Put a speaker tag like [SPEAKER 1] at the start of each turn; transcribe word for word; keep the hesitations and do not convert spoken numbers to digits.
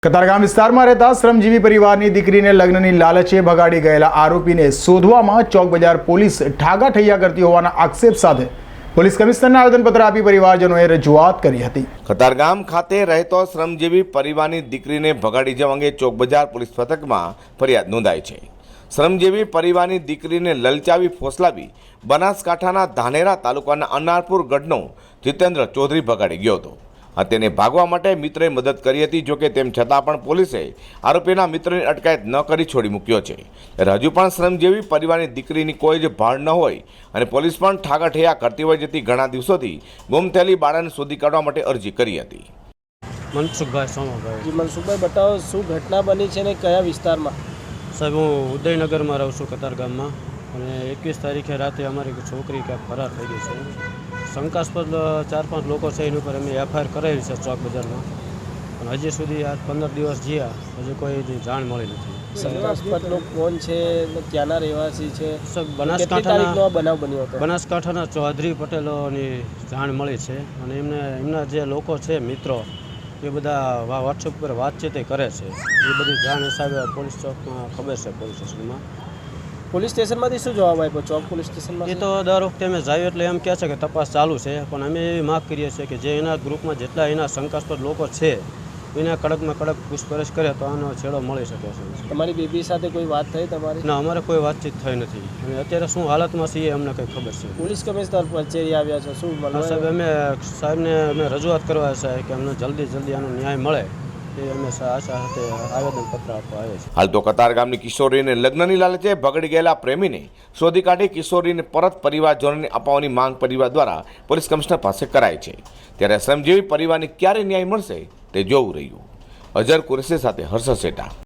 [SPEAKER 1] કતારગામ વિસ્તારમાં રહેતા શ્રમજીવી પરિવારની દીકરીને લગ્નની લાલચે ભગાડી ગયેલા આરોપીને શોધવામાં ચોક બજાર પોલીસ ઠાગાઠૈયા કરતી હોવાના આક્ષેપ સાથે પોલીસ કમિશનરને આવેદનપત્ર આપી પરિવારજનોએ રજૂઆત કરી હતી।
[SPEAKER 2] કતારગામ ખાતે રહેતો શ્રમજીવી પરિવારની દીકરીને ભગાડી જવા અંગે ચોક બજાર પોલીસ મથકમાં ફરિયાદ નોંધાઈ છે। શ્રમજીવી પરિવારની દીકરીને લલચાવી ફોસલાવી બનાસકાંઠાના ધાનેરા તાલુકાના અનારપુર ગઢનો જીતેન્દ્ર ચૌધરી ભગાડી ગયો હતો। આ તેને ભાગવા માટે મિત્રએ મદદ કરી હતી। જોકે તેમ છતાં પણ પોલીસે આરોપીના મિત્રની અટકાયત ન કરી છોડી મૂક્યો છે। ત્યારે હજુ પણ શ્રમજીવી પરિવારની દીકરીની કોઈ જ ભાળ ન હોય અને પોલીસ પણ ઠાગાઠૈયા કરતી હોય જેથી ઘણા દિવસોથી ગુમ થયેલી બાળાને શોધી કાઢવા માટે અરજી કરી હતી।
[SPEAKER 3] મનસુખભાઈ સોમાભાઈ।
[SPEAKER 4] જી મનસુખભાઈ, બતાવો શું ઘટના બની છે ને કયા વિસ્તારમાં?
[SPEAKER 3] સાહેબ, હું ઉદયનગરમાં રહું છું કતારગામમાં, અને એકવીસ તારીખે રાતે અમારી છોકરી ક્યાંક ફરાર થઈ ગઈ છે। શંકાસ્પદ ચાર પાંચ લોકો છે એની ઉપર અમે એફઆઈઆર કરાવી છે ચોક બજારમાં, પણ હજી સુધી આ પંદર દિવસ જ્યાં હજી કોઈ જાણ મળી નથી।
[SPEAKER 4] શંકાસ્પદ લોકો કોણ છે, ક્યાંના રહેવાસી છે?
[SPEAKER 3] બનાસકાંઠાના
[SPEAKER 4] બનાવ બન્યો હતો?
[SPEAKER 3] બનાસકાંઠાના ચૌધરી પટેલોની જાણ મળી છે, અને એમને એમના જે લોકો છે મિત્રો એ બધા વોટ્સઅપ પર વાતચીત કરે છે। એ બધી જાણ હિસાબે પોલીસ ચોકમાં ખબર છે, પોલીસ સ્ટેશનમાં।
[SPEAKER 4] પોલીસ સ્ટેશનમાંથી શું જવાબ આપ્યો? ચોક પોલીસ સ્ટેશનમાં
[SPEAKER 3] એ તો દર વખતે અમે જાય એટલે એમ કહે છે કે તપાસ ચાલુ છે, પણ અમે એવી માગ કરીએ છીએ કે જે એના ગ્રુપમાં જેટલા એના શંકાસ્પદ લોકો છે એના કડકમાં કડક પૂછપરછ કરે તો આનો છેડો મળી શકે છે।
[SPEAKER 4] તમારી બેબી સાથે કોઈ વાત થઈ તમારી?
[SPEAKER 3] ના, અમારે કોઈ વાતચીત થઈ નથી, અને અત્યારે શું હાલતમાં છીએ અમને કંઈ ખબર છે।
[SPEAKER 4] પોલીસ કમિશનર કચેરી આવ્યા છો, શું મળવા?
[SPEAKER 3] સાહેબ, અમે સાહેબને અમે રજૂઆત કરવા છે કે અમને જલ્દી જલ્દી આનો ન્યાય મળે એ અમે આશા સાથે આવેદનપત્ર આપવા આવે છે।
[SPEAKER 2] હાલ તો કતારગામની કિશોરીને લગ્નની લાલચે ભગડી ગયેલા પ્રેમીને શોધી કાઢી કિશોરીને પરત પરિવારજનોને અપાવવાની માંગ પરિવાર દ્વારા પોલીસ કમિશનર પાસે કરાઈ છે। ત્યારે શ્રમજીવી પરિવારને ક્યારે ન્યાય મળશે તે જોવું રહ્યું। અજર કુરેશી સાથે હર્ષ સેટા।